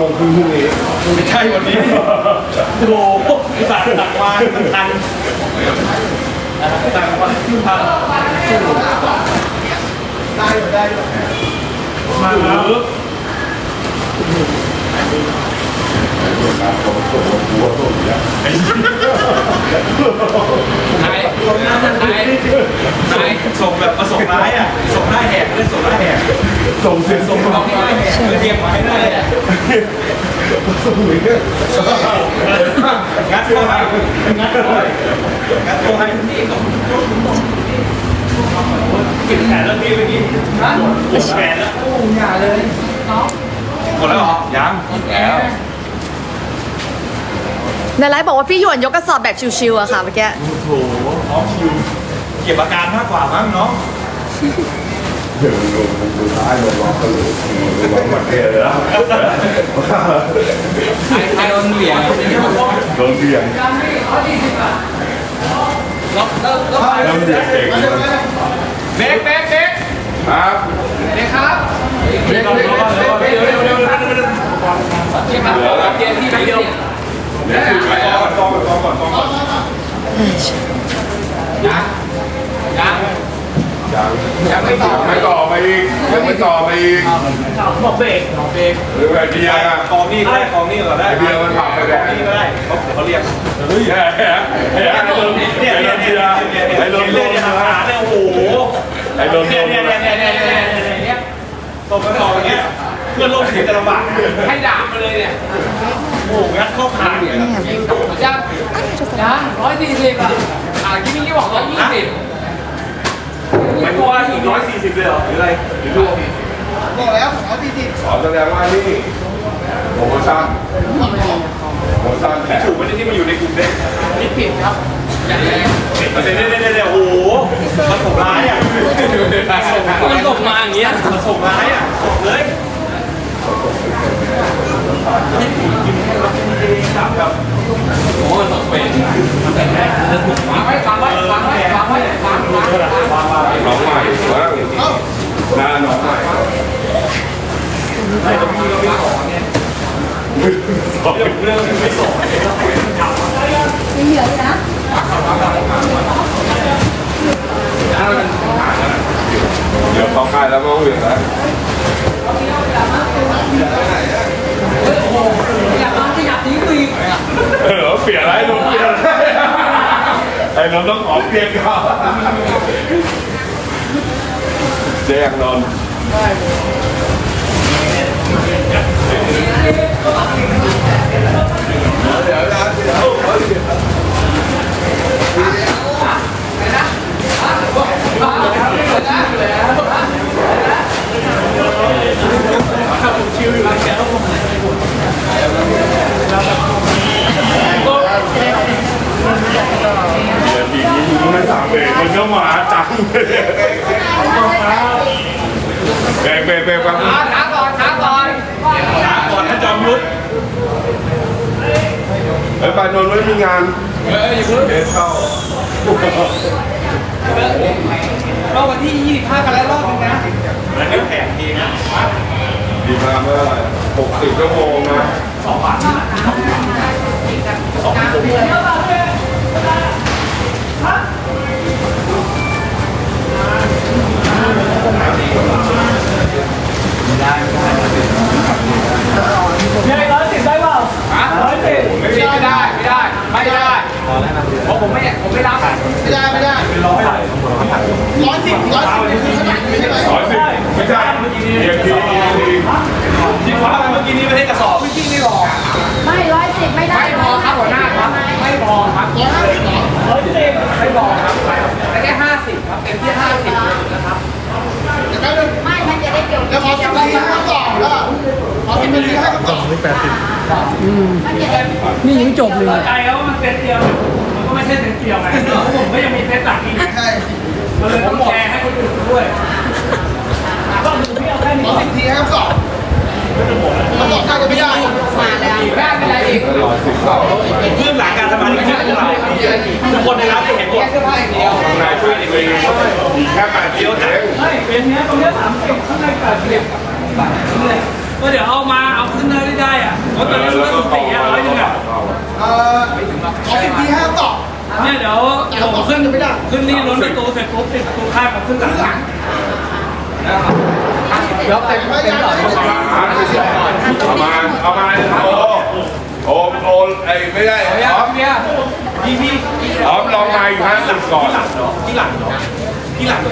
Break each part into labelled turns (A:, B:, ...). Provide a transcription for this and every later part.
A: งพรุ่งนี้
B: ไม่ใช่วันนี้โอ้โหสั่งตักมาทันสั่งมาทันได้มาแล้วนายส่งแบบมาส่งร้ายอ่ะส่งร้ายแหกเลยส่งร้ายแหกส่งเสียงส่งร้ายแหกเรียกมาให้ได้ส่งเลยงัดเข้าให้งัดเข้าให้งัดเข้าให้ปิดแขนแล้วพี่เมื่อกี้ปิดแขนแล้วอย่าเลยหมดแล้วเหรอยังแล้ว
C: ในไลฟ์บอกว่าพี่หยวนยกกระสอบแบบชิวๆอะค่ะเมื่อกี้
B: โอ้โหน้องชิวเก็บอาการมากกว่ามั้งน้อง
A: เดี๋ยวดูท้ายลงร้องกันเลยร้องหมดเกลียดแล้ว
B: ไอ้โดนเหวี่ยง
A: โดนเบี่ยงแล้วเด็กเก่ง
B: เบ๊ก
A: ครับ
B: เด็กครับเด็กเย็นที่เดียวเดี๋ยวไปก่อนยังไม่ต่อ
A: ไปอีกยังไม่ต่อไปอีก
B: บอกเบรก
A: หรือแบบเบียร์อะ
B: กองนี่ก็ได้
A: เบียร์มันผ่านไปแล้ว
B: นี่ก็ได้เขาเรียก
A: เฮ้ยไอ้โดนเนี่ยไอ้โดน
B: เนี่ยหาเนี่ยโอ้โห
A: ไอ้โดน
B: เนี่ยตบกันต่ออย่างเงี้ยเพื่อนร่วมทีมจะลำบากให้ด่ามาเลยเนี่ยโอ้งัดเข้าขาเนี่ยยัง140อ่ะที่นี่บอก120ไม่กลัวอีก140เลยเหรอหรืออะไรหรือ
D: บอกแล้ว240
A: ขอแสดงว่านี่โปรโมชั่นแถม
B: ถูกไม่ได้ที่มาอยู่ในกลุ่มเด็กนี่ผิดครับเนี่ยโอ้โหมันส่งร้ายอ่ะมันส่งมาอย่างเงี้ยมันส่งร้ายอ่ะส่งเลยโอ้ยตกเป็นวางไว้
A: น้องใหม่ว่าหน้าน้องใหม่
B: ไอ้ตรงนี้เราไม่สอนเนี่ยเรื่องไม่สอน
C: ไม่เหลือเลยนะ
A: เดี๋ยวเข้าค่ายแล้วก็เหวี่ยงแล้วเปลี่ยนอะไรลุงเปลี่ยนไอ้นนต้องขอเปลี่ยนก่อนเจ๊งนน
B: ชิวอยู่แล้วแกต้องลงไหน
A: ปีนี้มึงไม่สั่งเบรกมันก็มาจังเบรกครับ
B: ช้าก่อนให้จอมยุทธ
A: ไอ้ปานนท์ไม่มีงาน
B: อย่าเพิ่ง
A: เบรกเข้า
B: เราวันที่25กันแล้วรอบนึงนะแล้วก็แข่งทีนะ
A: ดีมาเมื่อ60 ชั่วโมงนะ
B: 2 บาท2 ชั่วโมง110ได้เปล่า110ไม่ได้เพราะผมไม่รับ
D: ไม่ได้
B: เป็น100
D: 110คือขนาดไม่ใช่ไหม
A: 110ไม่ใช่เรียกที
B: จริงว่าเมื่อกี้นี้ไม่ได้กระสอบจริงไม่พอ
C: ไม่110ไม่ได้
B: ไม่พอครับหัวหน้าครับไม่พอครับ110ไม่พอครับแต่แค่50ครับเต็มที่50นะครับ
C: ไม่มันจะได้เกี่ยว
D: แล้วขอ10 นาทีให้ก่อนแล้วขอ10 นาทีให้ก่อน
C: มันจะได้
E: นี่ยังจบเลย
B: ใจแล้วมันเซตเดียวมันก็ไม่ใช่เซตเดียวไงผมก็ยังมีเซตหลักอีก
D: ใช่
B: มันเลยต้องแชร์ให้คนอื่นด้วยก็ดูพี่เอาแค่นี้
D: ขอ10 นาทีให้ก่อนมันบอกได้ก็ไม่ได้
C: มาแล้ว
B: อีกแรกเป็นอะไรอีกเรื่องหลังการทำงานที่เราทุกคนในร้านจะเห็นหมด
A: นายช่วยตัวเองอีกแค่8 เดียวจัง
B: ไม่เป็นเนี้ยตรงเนี้ย30ข้างใน80ก็เดี๋ยวเอาขึ้นได้อ่ะรถตอนนี้รถตีอ่ะ100อ่ะ
D: ขอ10 ทีให้ตอบ
B: เนี่ยเดี๋ยวผมขึ้นนี่ล้นประตูเสร็จปุ๊บปิดประตูข้างผมขึ้นหลังแล้วเต็มหลอด
A: เอามาโอไอ้ไม่ได้อ๋อม
B: เนี่ยพี่
A: อ๋อมลองมาอีก50ก่อน
B: ที่หลังใครที่หลัง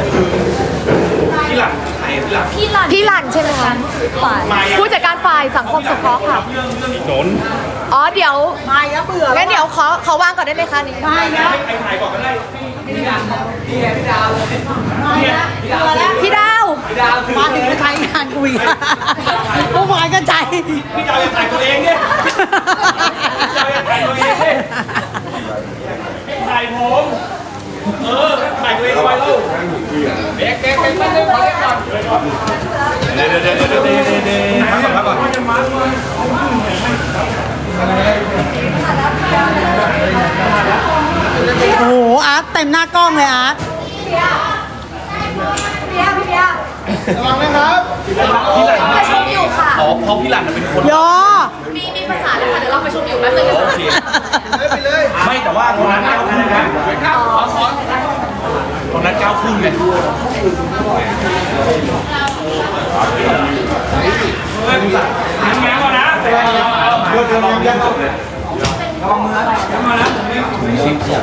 F: พี่หลันใช่ไหมคะผู้จัดการฝ่ายสังคมสงเคราะห์ค่ะ
A: หนน
F: อ๋อเดี๋ยว
C: ไม่แล้วเบื่อ
F: งั้นเดี๋ยวขอวางก่อนได้ไหมคะนี่
C: ไม่แล้ว
B: ไอ้ถ่ายก่อนก็ได้พี่ดาว
C: ไม่แล้วเบื่อแล้ว
F: พี่ดาว
C: มาถึงจะใช้งานกูอีกเมื่อวานก็ใจ
B: พี่ดาวจะถ่ายตัวเองเนี่ยถ่ายตัวเองถ่ายผมถ่ายตัวเองไว้ลูกเบ๊กไม่ได้ขอเล่นก่อนเดี๋ยวพักก่อน
C: โอ้โหอาร์ตเต็มหน้ากล้องเลยอาร์ต
D: ระวังนะครับ
F: ประชุมอยู่ค่ะ
B: อ๋อเพราะพี่หลันเป็นคน
C: ยอ
F: มีภาษาเลยค่ะ เดี๋ยวเราประชุมอยู่แป๊บนึง
B: โอเค
D: ไปเลย
B: ไม่แต่ว่าคนนั้น9 ครึ่งนะคนนั้น9 ครึ่งไงยังไงก่อนนะมาแล้ว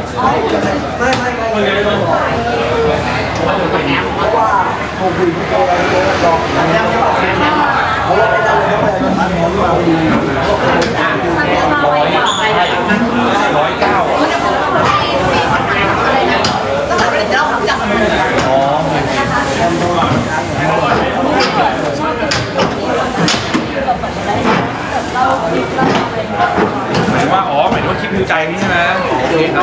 B: หมายว่าหมายถึงว่าคลิปดูใจนี่ใช่ไหมโอเคครับ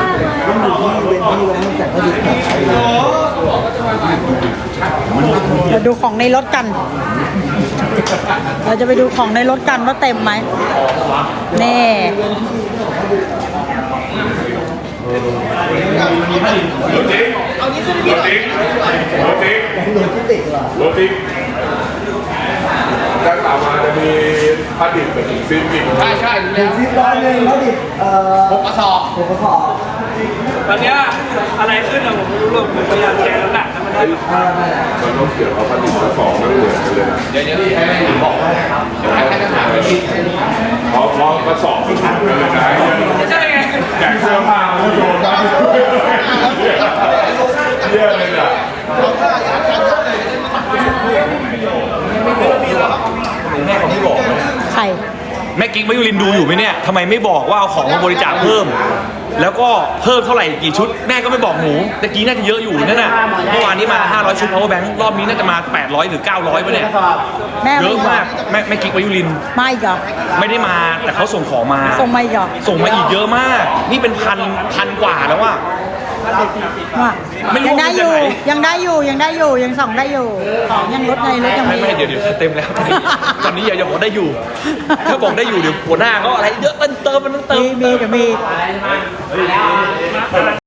C: เราดูของในรถกัน เราจะไปดูของในรถกันว่าเต็มไหมนี่
A: รถติ๊กด้านหลังมาจะมีผ้าดิบกับซิปอีก
B: ใช่ดูแล้ว 6 กระสอบตอนเนี้ยอะไรขึ้นอะผมไม่รู้หรอกผมพยายามแก้แล้วแหละถ้ามันได้แบบ
A: มันต้องเกี่ยวกับผ้าดิบกระสอบมันเหมือนกันเลยนะ
B: เดี๋ยวให้บอกเดี๋ยวให้ทหารไปคิด
A: พอกระสอบมันถังกันเลยนะ
B: ใช่ไง
A: แจกเสื้อผ้ามันโยนกันเยอะเลยอ่ะ
B: แม่เขาไม่บอก
C: ไข่
B: แม่กิ๊กมายุรินดูอยู่ไหมเนี่ยทำไมไม่บอกว่าเอาของมาบริจาคเพิ่ม แล้วก็เพิ่มเท่าไหร่กี่ชุดแม่ก็ไม่บอกหนูตะกี้น่าจะเยอะอยู่นั่นน่ะเมื่อวานนี้มา500 ชุด power bank รอบนี้น่าจะมา800หรือ900ป่ะเนี่ย
C: แม่
B: เย
C: ไม่
B: อะ
C: ยอ
B: มากแม่กิ๊กมายุริน
C: ไม่อีกเหรอ
B: ไม่ได้มาแต่เขาส่งของมา
C: ส่งมาอีกเหรอ
B: ส่งมาอีกเยอะมาก นี่เป็นพันกว่าแล้วว่า
C: ว่า
B: ไม่รู้
C: ยังได้อยู่
B: ว่าจะไหน
C: ยังได้อยู่ยังส่องได้อยู่ของยังลดในรถยัง
B: ไม่
C: มี
B: ไม่เดี๋ยวเต็มแล้วตอนนี้อย่าบอกได้อยู่ ถ้าบอกได้อยู่เดี๋ยวหัวหน้าก็อะไรเยอะเติม
C: มีเดี๋ยวมี